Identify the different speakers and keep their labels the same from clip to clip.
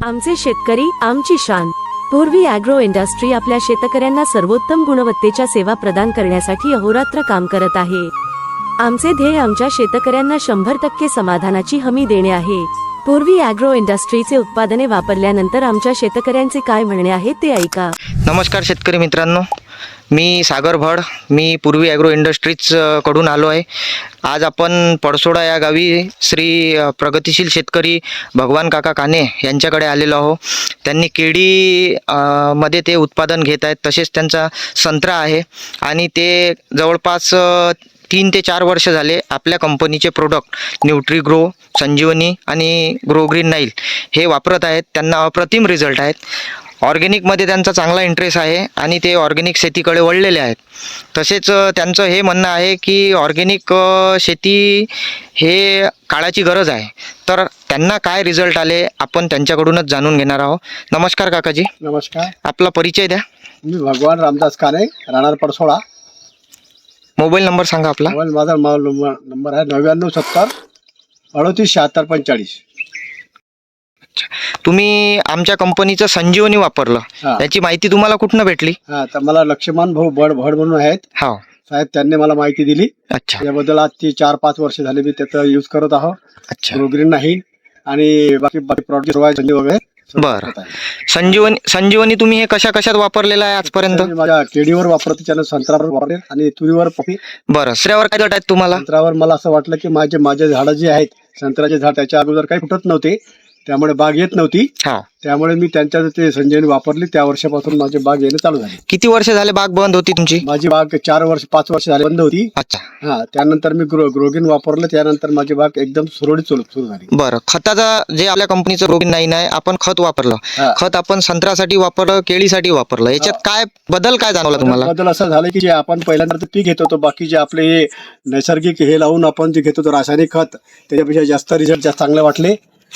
Speaker 1: आमचे शेतकरी आमची शान। पूर्वी ॲग्रो इंडस्ट्री आपल्या शेतकऱ्यांना सर्वोत्तम गुणवत्तेच्या सेवा प्रदान करण्यासाठी अहोरात्र काम करत आहे। आमचे ध्येय आमच्या शेतकऱ्यांना 100% समाधानाची हमी देणे आहे। पूर्वी ॲग्रो इंडस्ट्रीचे उत्पादने वापरल्यानंतर आमच्या शेतकऱ्यांचे काय म्हणणे आहे ते ऐका।
Speaker 2: नमस्कार शेतकरी मित्रांनो, मी सागर भड, मी पूर्वी ॲग्रो इंडस्ट्रीज कडून आलो आहे। आज आपण पडसोडा या गावी श्री प्रगतिशील शेतकरी भगवान काका काने यांच्याकडे आलेलो आहो। त्यांनी केळी मध्ये ते उत्पादन घेत आहेत, तसेच त्यांचा संत्रा आहे आणि ते जवळपास 3 ते 4 वर्ष झाले आपल्या कंपनीचे प्रोडक्ट न्यूट्रीग्रो, संजीवनी आणि ग्रो ग्रीन नाईल हे वापरत आहेत। त्यांना अप्रतिम रिझल्ट आहेत। ऑर्गॅनिकमध्ये त्यांचा चांगला इंटरेस्ट आहे आणि ते ऑर्गॅनिक शेतीकडे वळलेले आहेत। तसेच त्यांचं हे म्हणणं आहे की ऑर्गॅनिक शेती हे काळाची गरज आहे। तर त्यांना काय रिझल्ट आले आपण त्यांच्याकडूनच जाणून घेणार आहोत। नमस्कार काकाजी।
Speaker 3: नमस्कार।
Speaker 2: आपला परिचय द्या।
Speaker 3: मी भगवान रामदास काने, राहणार पडसोडा।
Speaker 2: मोबाईल नंबर सांगा आपला।
Speaker 3: माझा नंबर आहे 9970 38 76 45।
Speaker 2: तुम्ही आमच्या कंपनीचं संजीवनी वापरलं, याची माहिती तुम्हाला कुठनं भेटली?
Speaker 3: तर मला लक्ष्मण भाऊ भड म्हणून आहेत
Speaker 2: हो
Speaker 3: साहेब, त्यांनी मला माहिती दिली।
Speaker 2: अच्छा,
Speaker 3: याबद्दल आज 4-5 वर्ष झाले मी त्याचा यूज करत आहोत।
Speaker 2: अच्छा,
Speaker 3: ग्रोग्रीन नाही आणि बाकी प्रॉडक्ट वगैरे।
Speaker 2: बरं, संजीवनी तुम्ही हे कशात वापरलेलं आहे आजपर्यंत?
Speaker 3: माझ्या केळीवर वापरते, त्यानं संत्र्यावर वापरले आणि तुरीवर पपी।
Speaker 2: बरं, संत्र्यावर काय दट आहेत तुम्हाला?
Speaker 3: संत्र्यावर मला असं वाटलं की माझे झाडं जे आहेत संत्र्याचे झाड त्याच्या अगोदर काही फुटत नव्हते, त्यामुळे बाग येत नव्हती। त्यामुळे मी त्यांच्या ते संजीवनी वापरली, त्या वर्षापासून माझी बाग येणं चालू झाली।
Speaker 2: किती वर्ष झाले बाग बंद होती तुमची?
Speaker 3: माझी बाग 4-5 वर्ष झाले बंद होती।
Speaker 2: अच्छा,
Speaker 3: त्यानंतर मी ग्रोग्रीन वापरलं, त्यानंतर माझी बाग एकदम सुरळीत सुरू झाली।
Speaker 2: बरं, खताचा जे आपल्या कंपनीचं ग्रोग्रीन नाही आपण खत वापरलं, खत आपण संत्र्यासाठी वापरलं, केळीसाठी वापरलं, याच्यात काय बदल काय जाणवला तुम्हाला?
Speaker 3: बदल असं झालं की जे आपण पहिल्यांदा पीक घेत होतो, बाकी जे आपले हे नैसर्गिक हे लावून आपण जे घेत होतो रासायनिक खत, त्याच्यापेक्षा जास्त रिझल्ट जास्त चांगले वाटले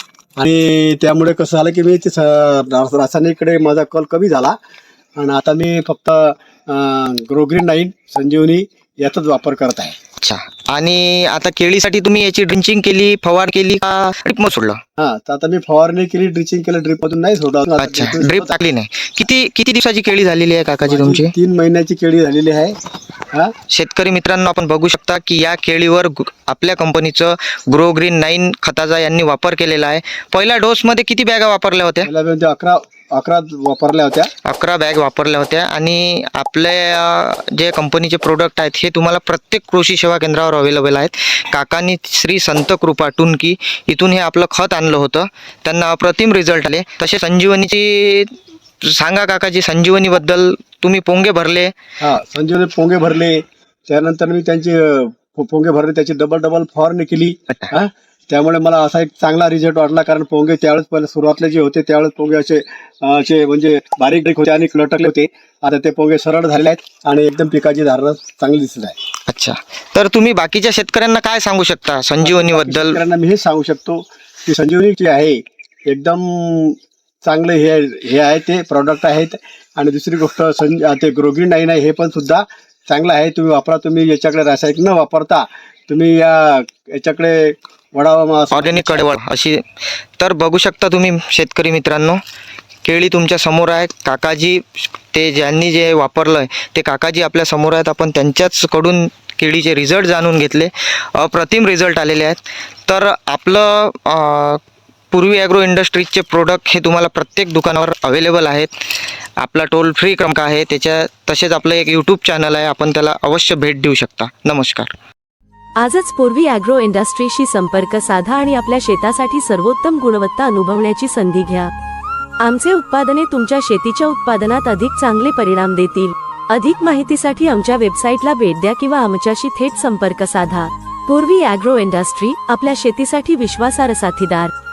Speaker 3: आणि त्यामुळे कसं झालं की मी ते रासायनिककडे माझा कल कमी झाला आणि आता मी फक्त ग्रोग्रीन नाईन, संजीवनी याचाच वापर करत आहे।
Speaker 2: अच्छा, आणि आता केळीसाठी तुम्ही याची ड्रिंचिंग केली, फवार केली का ड्रिप मग सोडलं?
Speaker 3: तर आता मी फवारणी केली, ड्रिचिंग केलं, ड्रिप मधून नाही सोडलं।
Speaker 2: अच्छा, ड्रिप टाकली नाही। किती दिवसाची केळी झालेली आहे काकाजी तुमची?
Speaker 3: 3 महिन्याची केळी झालेली आहे।
Speaker 2: शेतकरी मित्रांनो, आपण बघू शकता की या केळीवर आपल्या कंपनीचं ग्रो ग्रीन 9 खताचा यांनी वापर केलेला आहे। पहिल्या डोस मध्ये किती बॅगा वापरल्या होत्या?
Speaker 3: 11 वापरल्या होत्या।
Speaker 2: 11 बॅग वापरल्या होत्या आणि आपल्या जे कंपनीचे प्रोडक्ट आहेत हे तुम्हाला प्रत्येक कृषी सेवा केंद्रावर अवेलेबल आहेत। काकांनी श्री संत कृपा टुनकी इथून हे आपलं खत आणलं होतं, त्यांना अप्रतिम रिझल्ट आले। तसे संजीवनीची सांगा काकाजी, संजीवनी बद्दल तुम्ही पोंगे भरले?
Speaker 3: संजीवनी पोंगे भरले, त्यानंतर मी त्यांचे पोंगे भरले, त्याची डबल फवारणी केली। त्यामुळे मला असा एक चांगला रिझल्ट वाटला, कारण पोंगे त्यावेळेस पहिले सुरुवातले जे होते त्यावेळेस पोंगे असे म्हणजे बारीक होते आणि लटकले होते। आता ते पोंगे सरळ झालेले आहेत आणि एकदम पिकाची धारणा चांगली दिसत आहे।
Speaker 2: अच्छा, तर तुम्ही बाकीच्या शेतकऱ्यांना काय सांगू शकता संजीवनी बद्दल?
Speaker 3: शेतकऱ्यांना मी हे सांगू शकतो की संजीवनी जे आहे एकदम चांगले हे आहे, ते प्रॉडक्ट आहेत। आणि दुसरी गोष्ट ते ग्रोग्रीन नाईन आहे, हे पण सुद्धा चांगलं आहे, तुम्ही वापरा। तुम्ही याच्याकडे रासायनिक न वापरता तुम्ही याच्याकडे वळावा,
Speaker 2: ऑर्गॅनिक कडे वळा अशी। तर बघू शकता तुम्ही शेतकरी मित्रांनो, केळी तुमच्या समोर आहे। काकाजी ते ज्यांनी जे वापरलं आहे ते काकाजी आपल्या समोर आहेत, आपण त्यांच्याच कडून केळीचे रिझल्ट जाणून घेतले, अप्रतिम रिझल्ट आलेले आहेत। तर आपलं पूर्वी ॲग्रो इंडस्ट्रीजचे प्रोडक्ट हे तुम्हाला प्रत्येक दुकानावर अवेलेबल आहेत। आपला टोल फ्री क्रमांक आहे तसेच आपलं एक यूट्यूब चॅनल आहे, आपण त्याला अवश्य भेट देऊ शकता। नमस्कार।
Speaker 1: आजच पूर्वी ॲग्रो इंडस्ट्रीशी संपर्क साधा आणि आपल्या शेतासाठी सर्वोत्तम गुणवत्ता अनुभवण्याची संधी घ्या। आमचे उत्पादने तुमच्या शेतीच्या उत्पादनात अधिक चांगले परिणाम देतील। अधिक माहितीसाठी आमच्या वेबसाईटला भेट द्या किंवा आमच्याशी थेट संपर्क साधा। पूर्वी ॲग्रो इंडस्ट्री, आपल्या शेतीसाठी विश्वासार्ह साथीदार।